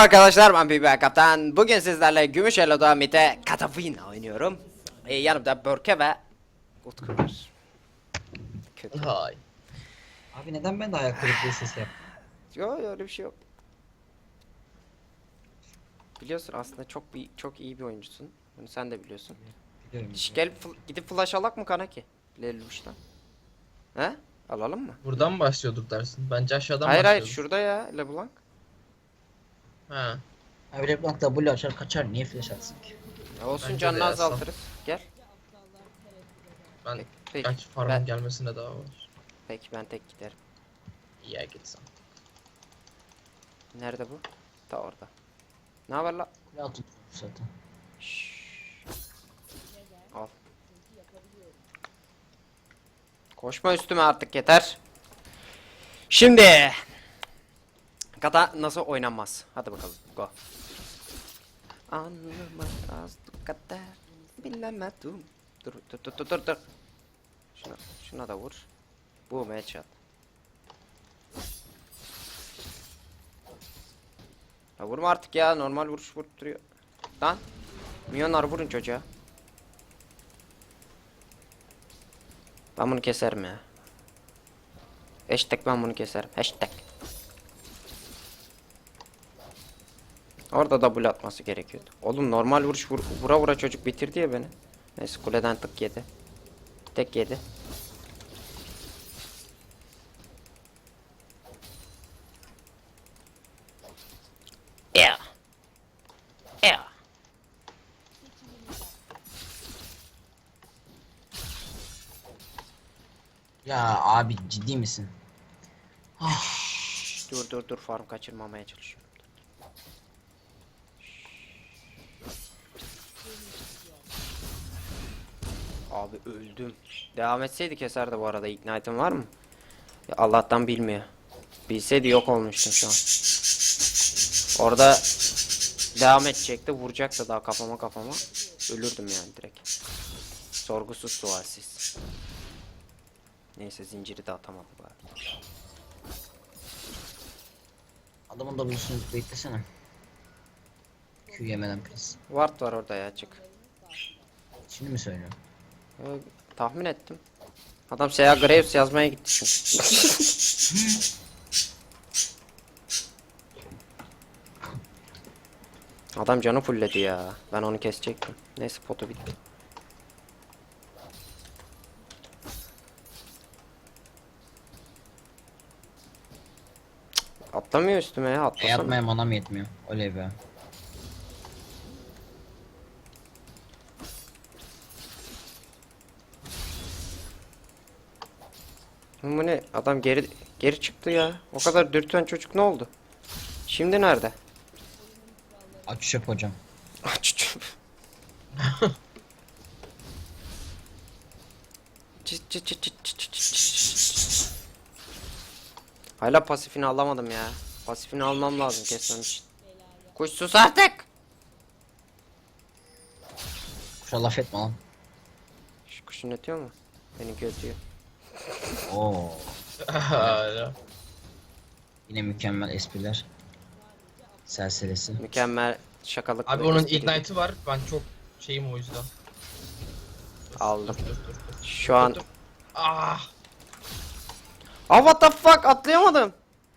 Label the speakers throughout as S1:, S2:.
S1: arkadaşlar, ben Biber Kaptan. Bugün sizlerle Gümüş Elo'da Mite Katafina oynuyorum. Yanımda Börke ve Utku var. Kötü.
S2: Hay.
S3: Abi neden ben de ayak kırıklığı sesi yaptım?
S1: Yok, öyle bir şey yok. Biliyorsun aslında çok iyi bir oyuncusun. Bunu sen de biliyorsun.
S3: Biliyorum.
S1: Gel gidip flash alak mı Kanaki? Leluş'tan. He? Alalım mı?
S2: Buradan mı başlıyorduk dersin? Bence aşağıdan
S1: Hayır
S2: başlıyorduk.
S1: şurada ya LeBlanc.
S2: Ha.
S3: Abi LeBlanc W açar kaçar, niye flash atsın ki?
S1: Olsun,
S2: Bence
S1: canını
S2: de
S1: azaltırız. Gel.
S2: Ben
S1: Peki,
S2: belki farmın gelmesine daha var.
S1: peki ben tek giderim.
S2: İyi gitsen.
S1: Nerede bu? Ta orada. Ne haber la?
S3: Kule altı zaten.
S1: Şşş. Al. Koşma üstüme artık, yeter. Şimdi kata nasıl oynanmaz? Hadi bakalım, go. Anlamaz bu kadar bilemedim. Dur. Şuna da vur. Bu headshot. Ya vurma artık ya, normal vuruş vurduruyor. Lan milyonlar vurun çocuğa. Ben bunu keserim ya. Hashtag ben bunu keserim. Hashtag. Orada double atması gerekiyordu. Oğlum normal vuruş vura vura çocuk bitirdi ya beni. Neyse, kuleden tık yedi. Tek yedi. Yeah. Yeah.
S3: Ya abi ciddi misin?
S1: Dur farm kaçırmamaya çalışıyorum. Abi öldüm. Devam etseydi keserdi bu arada. Ignite'ın var mı? Ya Allah'tan bilmiyor. Bilseydi yok olmuştum şu an. Orada devam edecekti, vuracaktı daha kafama. Ölürdüm yani direkt. Sorgusuz sualsiz. Neyse, zinciri de atamadı bari.
S3: Adamın W'sunu beklesene. Q yemeden please.
S1: Ward var orada ya, çık.
S3: Şimdi mi söylüyorum?
S1: Tahmin ettim. Adam Sea Graves yazmaya gitti çünkü. Adam canı fulledi ya. Ben onu kesecektim. Neyse, potu bitti. Atlamıyor üstüme ya, atlasana.
S3: Atmaya manam yetmiyor. Oley be.
S1: Bu ne? Adam geri çıktı ya. O kadar dürten çocuk ne oldu? Şimdi nerede?
S3: Aç çöp hocam.
S1: Aç. Hala pasifini alamadım ya. Pasifini almam lazım kesmem için. Kuş sus artık.
S3: Kuşa laf etme lan.
S1: Şu kuşun ötüyor mu? Benimki ötüyor.
S3: Oo.
S2: Hala.
S3: Yine mükemmel espriler. Serserisi.
S1: Mükemmel şakalık.
S2: Abi onun ignite'ı var. Ben çok şeyim o yüzden.
S1: Aldım.
S2: Dur.
S1: Şu an.
S2: Dur. Ah.
S1: Ah, what the fuck, atlayamadım.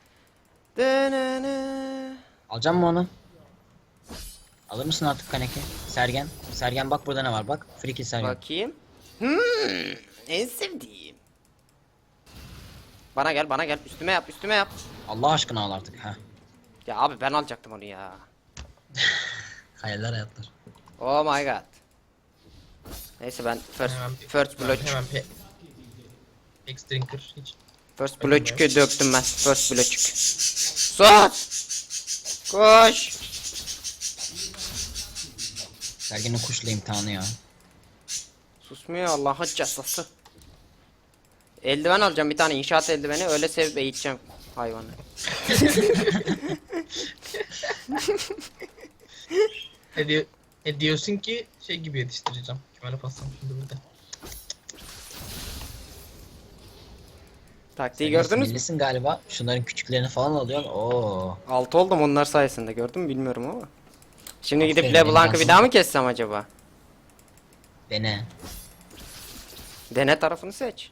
S1: Denene.
S3: Alacağım mı onu? Alır mısın artık Kaneki? Sergen. Sergen bak burada ne var bak. Free kill Sergen.
S1: Bakayım. En sevdiğim. Bana gel üstüme yap.
S3: Allah aşkına al artık ha.
S1: Ya abi ben alacaktım onu ya.
S3: Hayaller hayatlar.
S1: Oh my god. Neyse, ben first blood
S2: X drinker hiç.
S1: first blood'u döktüm ben. First blood. Sus! Koş!
S3: Sergen'in kuşla imtihanı ya.
S1: Susmuyor Allah'ın cezası. Eldiven alacağım, bir tane inşaat eldiveni, öyle sevip eğiteceğim hayvanı.
S2: Diyorsun ki şey gibi yetiştireceğim. Kümele bassam şimdi burada.
S1: Taktiği
S3: Sen
S1: gördünüz mü?
S3: sinirlisin galiba. Şunların küçüklerini falan alıyorsun. Oo.
S1: 6 oldum onlar sayesinde, gördün mü bilmiyorum ama. Şimdi gidip
S3: Aferin, benim
S1: LeBlanc'ı bir
S3: cansız-
S1: daha mı kessem acaba?
S3: Dene.
S1: Dene tarafını seç.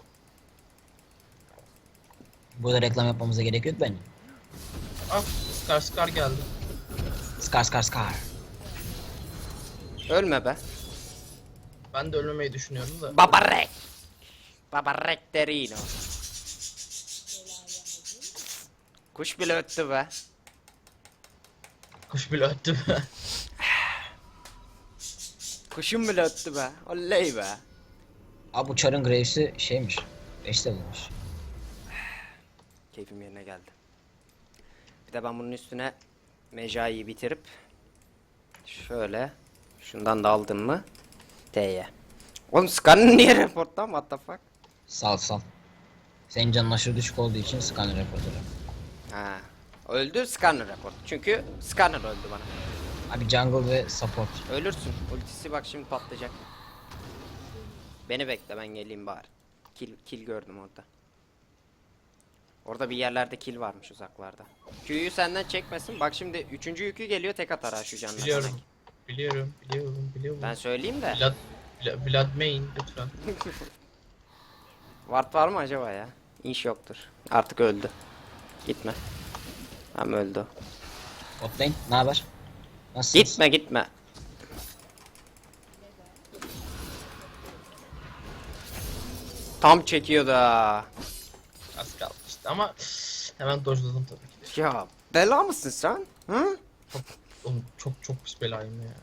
S3: Burada reklam yapmamıza gerek yok bence.
S2: Ah, Scar geldi.
S3: Scar Scar Scar.
S1: Ölme be.
S2: Ben de ölmemeyi düşünüyorum da.
S1: Babarek. Babarek derino. Kuş bile öttü be.
S2: Kuş bile öttü.
S1: Kuşum bile öttü be. Oley be.
S3: Abi bu Char'ın Graves'i şeymiş. 5 bulmuş.
S1: Keyfim yerine geldi. Bir de ben bunun üstüne Mejai'yi bitirip şöyle şundan da aldım mı T'ye. Oğlum Scan'ın niye reportta? What the fuck?
S3: Sal sal. Senin canın aşırı düşük olduğu için scanner raporları.
S1: Ha. Öldü Scanner report. Çünkü Scanner öldü bana.
S3: Abi jungle ve support.
S1: Ölürsün. Ultisi bak şimdi patlayacak. Beni bekle, ben geleyim bari. Kill gördüm orada. Orada bir yerlerde kill varmış uzaklarda. Q'yu senden çekmesin. Bak şimdi 3. yükü geliyor, tek atar ha şu canına.
S2: Biliyorum. Biliyorum.
S1: Ben söyleyeyim de.
S2: Vlad main lütfen.
S1: Ward var mı acaba ya? İş yoktur. Artık öldü. Gitme. Hem öldü o.
S3: Botlane ne haber? Nasılsınız?
S1: Gitme. Tam çekiyor da.
S2: Az kalmıştı ama hemen dojladım tabii ki.
S1: Ya bela mısın sen? Hı?
S2: Oğlum çok pis belayım ya.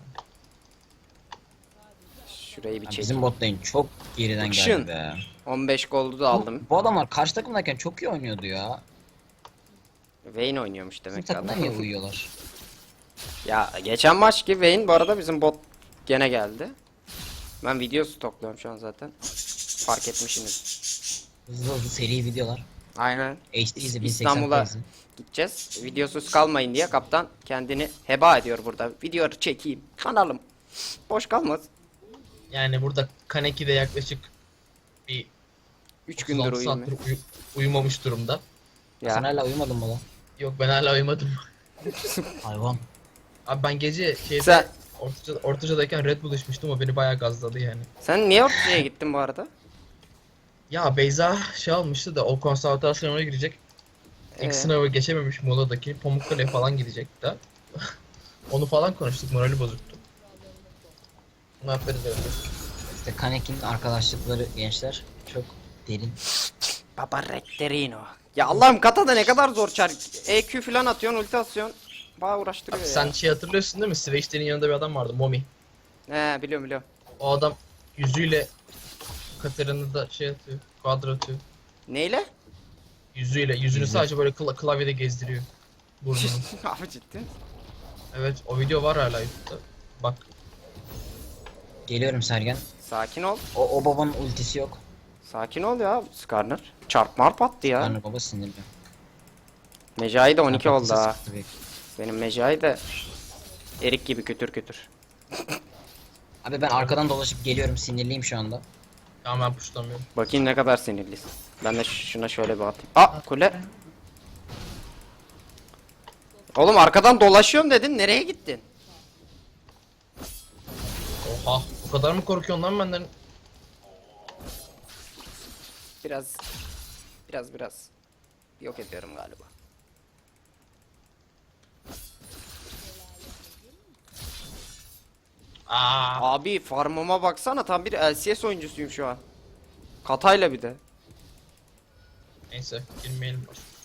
S1: Şurayı bir
S3: Abi
S1: çek.
S3: bizim botlane çok geriden
S1: Bakışın.
S3: geldi be.
S1: 15 goldu da aldım.
S3: Bu adamlar karşı takımdayken çok iyi oynuyordu ya.
S1: Vayne oynuyormuş
S3: Bizim
S1: demek ki
S3: takımda
S1: adam.
S3: niye uyuyorlar?
S1: Ya geçen maç ki Vayne bu arada bizim bot gene geldi. Ben video stokluyorum şu an zaten. Fark etmişsiniz.
S3: Hızlı hızlı seri videolar.
S1: Aynen.
S3: HD izle 1080
S1: İstanbul'a
S3: izle.
S1: gideceğiz. Videosuz kalmayın diye kaptan kendini heba ediyor burada. Video çekeyim. Kanalım. Boş kalmaz.
S2: Yani burada Kaneki de yaklaşık bir
S1: 3 gündür
S2: 36
S1: uyumuyor.
S2: saattir uyumamış durumda.
S3: Sen
S1: Ya.
S3: hala uyumadın mı lan?
S2: Yok ben hala uyumadım.
S3: Hayvan.
S2: Abi ben gece şeyde
S1: Sen,
S2: Ortaca'dayken Red Bull içmiştim, o beni bayağı gazladı yani.
S1: sen niye ortaya gittin bu arada?
S2: Ya Beyza şey almıştı da o konservatuar sınavına girecek. İlk
S1: Ee?
S2: sınavı geçememiş Muğla'daki. Pamukkale falan gidecekti de. Onu falan konuştuk, morali bozuktu. Muhabbet edelim.
S3: İşte Kaneki'nin arkadaşlıkları gençler çok derin.
S1: Baba Rekterino. Ya Allah'ım kata da ne kadar zor çar. EQ falan atıyorsun, ulti atıyorsun. Bayağı uğraştırıyor
S2: Abi
S1: ya.
S2: sen şey hatırlıyorsun değil mi? Switch'lerin yanında bir adam vardı, Momi.
S1: He biliyorum.
S2: O adam yüzüyle Katarina da şey atıyor, quadra atıyor.
S1: Neyle?
S2: Yüzünü
S3: Yüzü.
S2: sadece böyle klavyede gezdiriyor. Burnunu.
S1: Abi ciddi.
S2: Evet, o video var hala YouTube'da. Bak.
S3: Geliyorum Sergen.
S1: Sakin ol.
S3: O babanın ultisi yok.
S1: Sakin ol ya Skarner. Çarp marp attı ya.
S3: Tanrı baba sinirli.
S1: Mecai de 12 oldu
S3: Patlatırsa
S1: ha.
S3: sıkıntı büyük.
S1: Benim Mecai de erik gibi kütür.
S3: Abi ben arkadan dolaşıp geliyorum, sinirliyim şu anda.
S2: Tamam, ben puşlamıyorum.
S1: Bakayım ne kadar sinirlisin. Ben de şuna şöyle bir atayım. Aa kule. Oğlum arkadan dolaşıyorum dedin, nereye gittin?
S2: Oha, o kadar mı korkuyorsun lan benden?
S1: Biraz yok ediyorum galiba. Abi farmıma baksana, tam bir LCS oyuncusuyum şu an. Katayla bir de.
S2: Neyse, girmeyelim.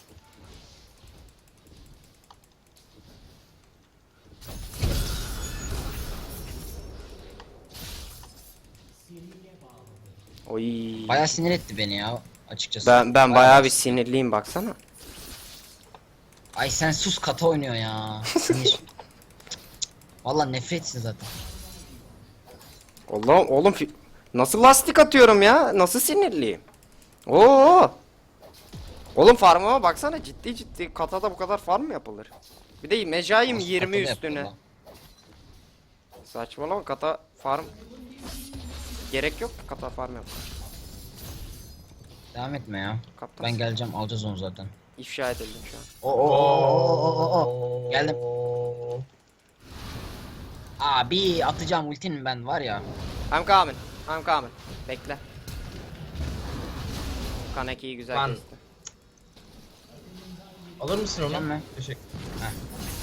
S1: Oy.
S3: Bayağı sinir etti beni ya açıkçası.
S1: Ben bayağı bir sinirliyim baksana.
S3: Ay sen sus, kata oynuyor ya. Sinir. Valla nefretsin zaten.
S1: Allah'ım oğlum nasıl lastik atıyorum ya? Nasıl sinirliyim? Oo! Oğlum farmıma baksana, ciddi katada bu kadar farm mı yapılır? Bir de Mejai'm
S3: Nasıl
S1: 20
S3: katada
S1: üstüne.
S3: yapıyor lan?
S1: Saçmalama, kata farm gerek yok, kata farm yap.
S3: Devam etme ya.
S1: Kaptan.
S3: Ben geleceğim, alacağız onu zaten.
S1: İfşa edildim şu an.
S3: Oo. Geldim. Abi atacağım ultinin ben var ya.
S1: I'm coming. I'm coming. Bekle. Kaneki'yi güzel
S2: Ben-
S1: kesti.
S2: Alır mısın onu?
S3: Gelme.
S2: Teşekkür.
S3: Heh.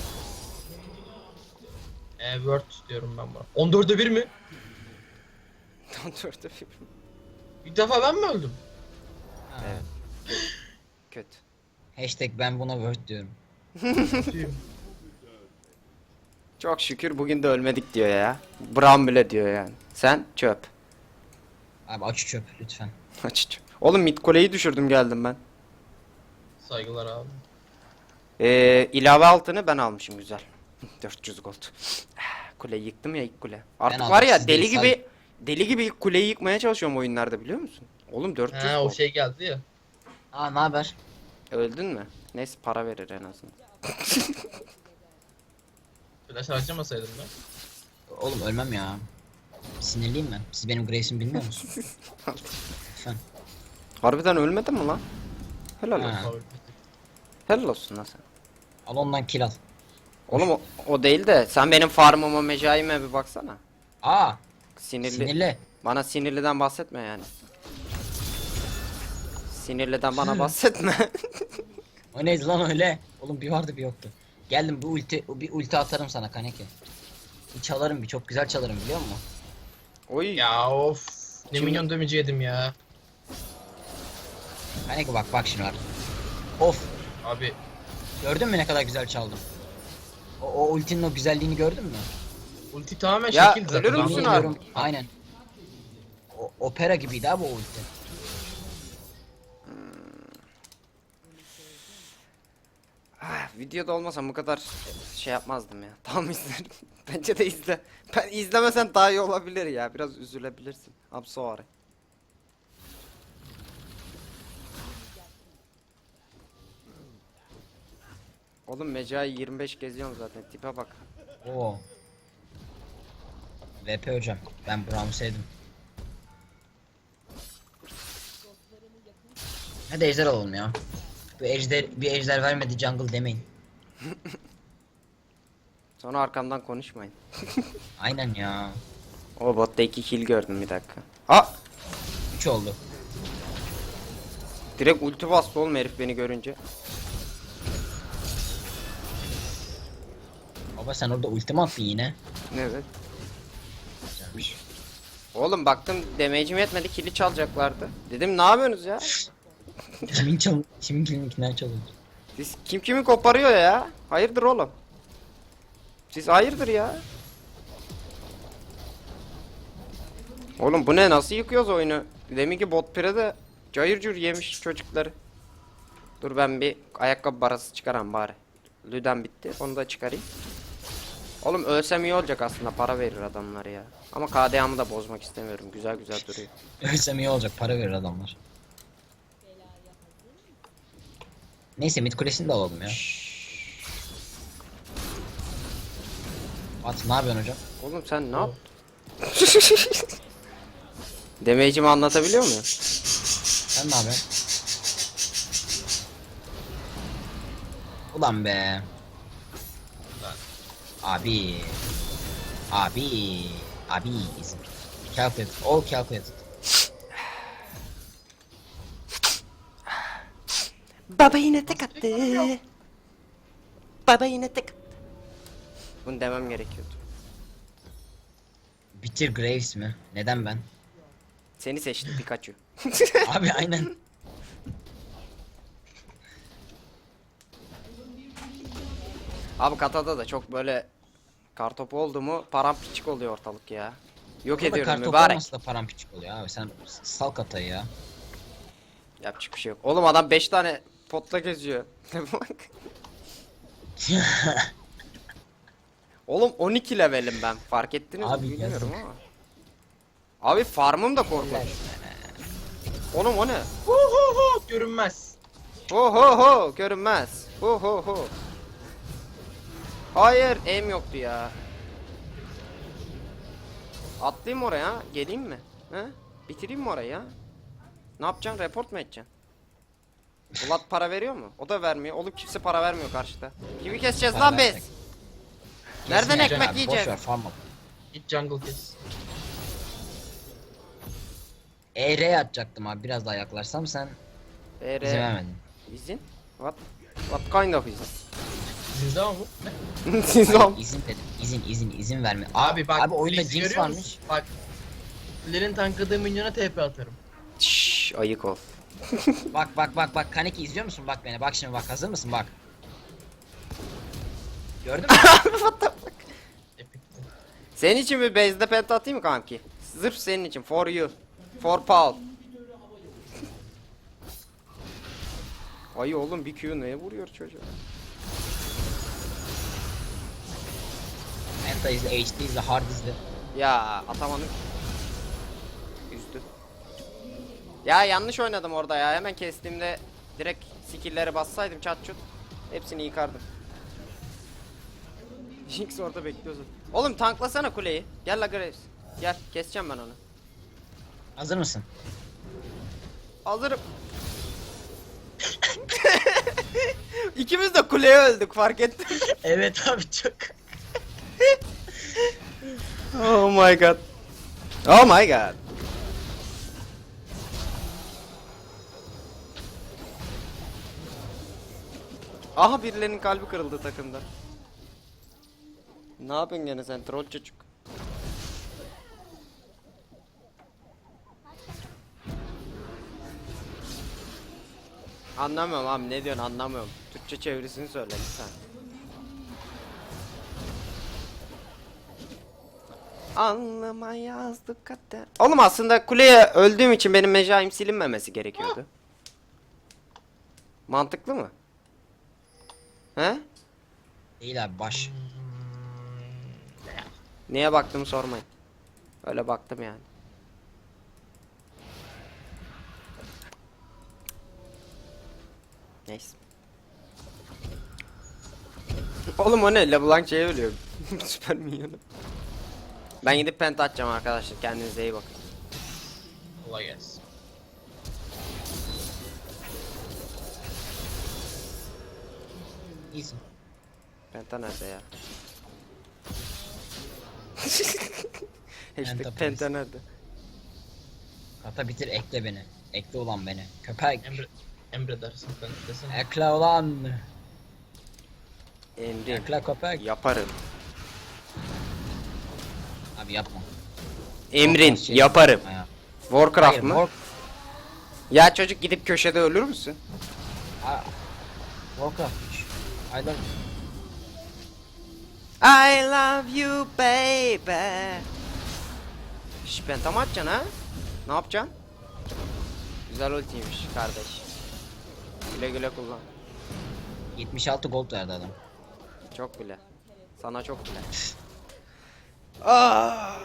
S2: Word diyorum ben buna. 14'e 1 mi?
S1: Döndürdü.
S2: Bir defa ben mi öldüm?
S1: Evet. Kötü.
S3: Hashtag ben buna word diyorum.
S2: Kötüyüm.
S1: Çok şükür bugün de ölmedik diyor ya. Bram bile diyor yani. Sen çöp.
S3: Abi aç çöp lütfen.
S1: Aç çöp. Oğlum mid kuleyi düşürdüm geldim ben.
S2: Saygılar abi.
S1: İlave altını ben almışım güzel. 400 gold. Kuleyi yıktım ya ilk kule. Artık
S3: aldım,
S1: var ya
S3: siz
S1: deli
S3: değil,
S1: gibi deli gibi ilk kuleyi yıkmaya çalışıyorum oyunlarda biliyor musun? Oğlum 400
S2: Ha o
S1: gold.
S2: şey geldi ya.
S3: Aa ne haber?
S1: Öldün mü? Neyse para verir en azından.
S2: Flash harcamasaydım ben.
S3: Oğlum ölmem ya. Sinirliyim ben. Siz benim Grace'imi bilmiyor musunuz? Lütfen.
S1: Harbiden ölmedin mi lan? Helal
S3: Ha.
S1: olsun.
S2: Abi.
S1: Helal olsun lan sen.
S3: Al ondan kill al.
S1: Oğlum o değil de sen benim farmıma mecaime bir baksana.
S3: Aa
S1: Sinirli.
S3: sinirli.
S1: Bana sinirliden bahsetme yani. Sinirliden bana bahsetme.
S3: O neydi lan öyle? Oğlum bir vardı bir yoktu. Geldim bir ulti atarım sana Kaneki. Bir çalarım bir çok güzel çalarım biliyor musun?
S1: Oy.
S2: Ya of. Ne
S1: Şimdi-
S2: milyon damage'i yedim ya.
S3: Kaneki bak şimdi var. Of
S2: Abi
S3: gördün mü ne kadar güzel çaldım? O ultinin o güzelliğini gördün mü?
S2: ulti tamamen
S1: Ya,
S2: şekil zaten.
S1: ölür
S2: Ben
S1: müsün
S2: bunu-
S1: abi?
S3: Bilmiyorum, aynen. Opera gibiydi abi o ulti.
S1: Videoda olmasam bu kadar şey yapmazdım ya. Tam izlerim. Bence de izle. Ben izlemesen daha iyi olabilir ya. Biraz üzülebilirsin. I'm sorry. Oğlum Mecai 25 geziyorum zaten. Tipe bak.
S3: Oo. VP hocam. Ben Brown'u sevdim. Hadi ejder alalım ya. Bir ejder vermedi jungle demeyin.
S1: Sonra arkamdan konuşmayın.
S3: Aynen ya.
S1: O botta 2 kill gördüm bir dakika. Aa!
S3: 3 oldu.
S1: Direkt ulti bastı oğlum herif beni görünce.
S3: Baba sen orada ulti mi attın yine?
S1: Evet.
S3: Güzelmiş.
S1: Oğlum baktım damage'im yetmedi kill'i çalacaklardı. Dedim ne yapıyorsunuz ya?
S3: Kimin kiminkinden çalındı?
S1: Siz kim kimi koparıyor ya? Hayırdır oğlum? Siz hayırdır ya? Oğlum bu ne nasıl yıkıyoruz oyunu? Demin ki bot pire'de cayır cayır yemiş çocukları. Dur ben bir ayakkabı barası çıkaram bari. Lüden bitti onu da çıkarayım. Oğlum ölsem iyi olacak aslında para verir adamlar ya. Ama KDA'mı da bozmak istemiyorum güzel güzel duruyor.
S3: Ölsem iyi olacak para verir adamlar. Neyse mid kulesini de alalım ya. At ne yapıyorsun hocam?
S1: Oğlum sen ne yap? Damage'imi anlatabiliyor muyum?
S3: Sen ne yapıyorsun? Ulan be. Abi. Abi. Abi. Calculated. All calculated.
S1: Baba yine tek attı. Baba yine tek attı. Bunu demem gerekiyordu.
S3: Bitir Graves mi? Neden ben?
S1: Seni seçti Pikachu.
S3: Abi aynen.
S1: Abi Kata'da da çok böyle kartopu oldu mu paramparçık oluyor ortalık ya. Yok
S3: Burada
S1: ediyorum
S3: kartopu
S1: mübarek.
S3: olması da paramparçık oluyor abi. Sen sal katayı ya.
S1: Yapacak bir şey yok. Oğlum adam 5 tane potla geziyor. Oğlum 12 levelim ben. Fark ettiniz
S3: Abi
S1: mi bilmiyorum
S3: yazık.
S1: ama. Abi farmım da korkunç. Oğlum o ne?
S2: Hu hu hu görünmez.
S1: Ho ho ho görünmez. Ho ho ho. Hayır aim yoktu ya. Atlayayım oraya geleyim mi? He? Bitireyim mi orayı ya? Ne yapacaksın? Report mu edeceksin? Vlad para veriyor mu? O da vermiyor. Oğlum kimse para vermiyor karşıda. Kimi keseceğiz
S3: Para
S1: lan biz?
S3: versek.
S1: Nereden
S3: Kesmeyeceğim
S1: ekmek
S3: abi,
S1: yiyeceğiz?
S3: Boş ver farm up.
S2: Git jungle kes.
S3: ER atacaktım abi, biraz daha yaklarsam sen izin vermedin.
S1: İzin? What kind of izin?
S2: Sizde ama bu. Ne?
S1: Siz
S3: Hayır,
S1: am-
S3: izin dedim. İzin verme.
S2: Abi bak.
S3: Abi oyunda
S2: Blitz
S3: Jinx
S2: görüyor
S3: varmış.
S2: musun? Bak. Flair'in tankladığı minyona TP atarım.
S1: Şşş, ayık ol.
S3: Bak Kaneki izliyor musun? Bak beni. Bak şimdi, bak hazır mısın? Bak. Gördün mü?
S2: Epic'ti.
S1: Senin için bir base'de penta atayım mı kanki? Sırf senin için. For you. For Paul. Ay oğlum bir Q neye vuruyor çocuğa?
S3: Menta izle, HD izle, hard izle.
S1: Ya atamadım. Üzdü. Ya yanlış oynadım orada ya. Hemen kestiğimde direkt skill'lere bassaydım çat çut. Hepsini yıkardım. Jinx orada bekliyorsun. Oğlum tanklasana kuleyi. Gel la Graves. Gel keseceğim ben onu.
S3: Hazır mısın?
S1: Hazırım. İkimiz de kuleye öldük fark ettin.
S3: Evet abi, çok.
S1: Oh my god. Oh my god. Aha birilerinin kalbi kırıldı takımda. Ne yapıyorsun gene sen troll çocuk? Anlamıyorum abi, ne diyorsun, anlamıyorum. Türkçe çevirisini söyle lütfen. Anlama yazdık kader. Oğlum aslında kuleye öldüğüm için benim mecaim silinmemesi gerekiyordu. Mantıklı mı? He?
S3: Değil abi, baş.
S1: Niye baktım sormayın. Öyle baktım yani. Neyse. Oğlum o ne? LeBlanc şeye ölüyor. Süper minyonu. Ben gidip penta atacağım arkadaşlar. Kendinize iyi bakın.
S2: Kolay gelsin.
S3: İyisin.
S1: Penta nerede ya? Hashtag
S3: Penta
S1: penta nerede?
S3: Kata bitir, ekle beni. Ekle ulan beni. Köpek.
S2: Emre dersin ben desene.
S3: Ekle ulan.
S1: Emrim.
S3: Ekle köpek.
S1: Yaparım.
S3: Abi yapma.
S1: Emrin.
S3: Şey-
S1: Yaparım.
S3: Ha.
S1: Warcraft
S3: Hayır,
S1: mı? Ya çocuk gidip köşede ölür müsün?
S3: Warcraft'mış. I love
S1: I love you baby. Şş, penta mı atacaksın ha? Ne yapacaksın? Güzel ultiymiş kardeş. Güle güle kullan.
S3: 76 gold verdi adam.
S1: Çok bile. Sana çok bile. Ah.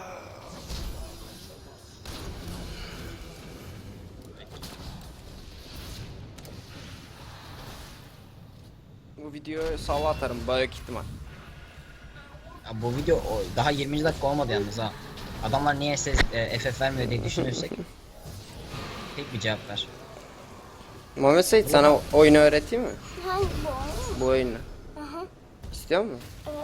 S1: Bu videoyu sava atarım büyük ihtimal.
S3: Ya bu video daha 20. dakika olmadı yalnız ha. Adamlar niye FF vermiyor diye düşünürsek. Tek bir cevap ver.
S1: Muhammed Seyit sana oyunu öğreteyim mi?
S4: Hangi bu?
S1: Bu oyunu.
S4: Aha.
S1: İstiyor musun?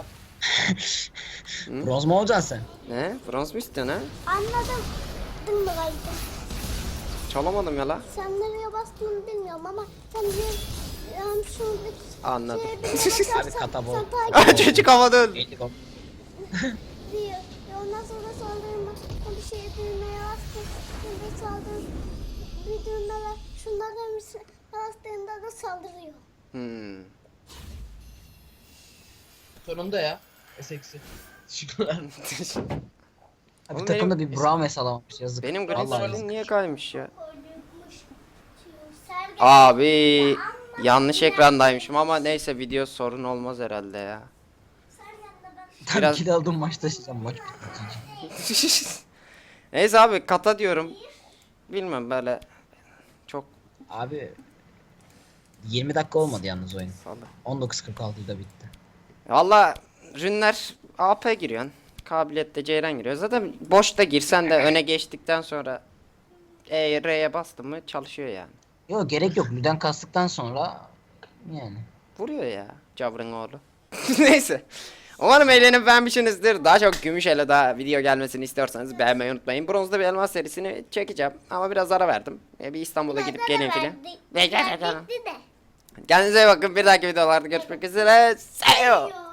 S3: Bronz mu olacaksın sen?
S1: Ne? Frans mı istiyorsun ha?
S4: Anladım. Dımdıraydı.
S1: Çalamadım ya la.
S4: Sen nereye bastığını bilmiyorum ama sen bir şuradaki
S1: Anladım.
S3: Abi kata bol.
S4: sen takip
S1: Çocuk havada öldü.
S3: 50 gold.
S4: ediyor. Ondan sonra saldırma. Bir şey düğmeye bastın. Bir saldırın. Bir düğmeye şunlara bastığında da saldırıyor.
S1: Hmm.
S2: Sonunda ya. S-eksi. Teşekkürler.
S3: Abi
S1: Oğlum
S3: takımda
S1: benim-
S3: bir Braum alamamış, yazık.
S1: Benim
S3: Vallahi
S1: Grizzly'm
S3: yazık.
S1: niye kaymış ya?
S4: Sergen
S1: Abi yanlış ekrandaymışım ama neyse video sorun olmaz herhalde ya.
S3: Tam
S1: biraz-
S3: kill aldım, maç taşıyacağım, maç.
S1: Neyse abi kata diyorum. Bilmem böyle çok
S3: Abi 20 dakika olmadı yalnız oyun.
S1: salı.
S3: 19.46'da bitti.
S1: Valla rünler AP giriyorsun. Kabiliyette Ceyran giriyor. Zaten boşta girsen de öne geçtikten sonra R'ye bastım mı çalışıyor yani.
S3: Yok gerek yok. Lüden kastıktan sonra yani.
S1: Vuruyor ya Cavrın oğlu. Neyse. Umarım eğlenip beğenmişsinizdir. Daha çok Gümüşele daha video gelmesini istiyorsanız beğenmeyi unutmayın. Bronzda bir elmas serisini çekeceğim. Ama biraz ara verdim. Bir İstanbul'a gidip geleyim filan.
S4: Bitti de.
S1: Kendinize iyi bakın. Bir dahaki videolarda görüşmek üzere. See you.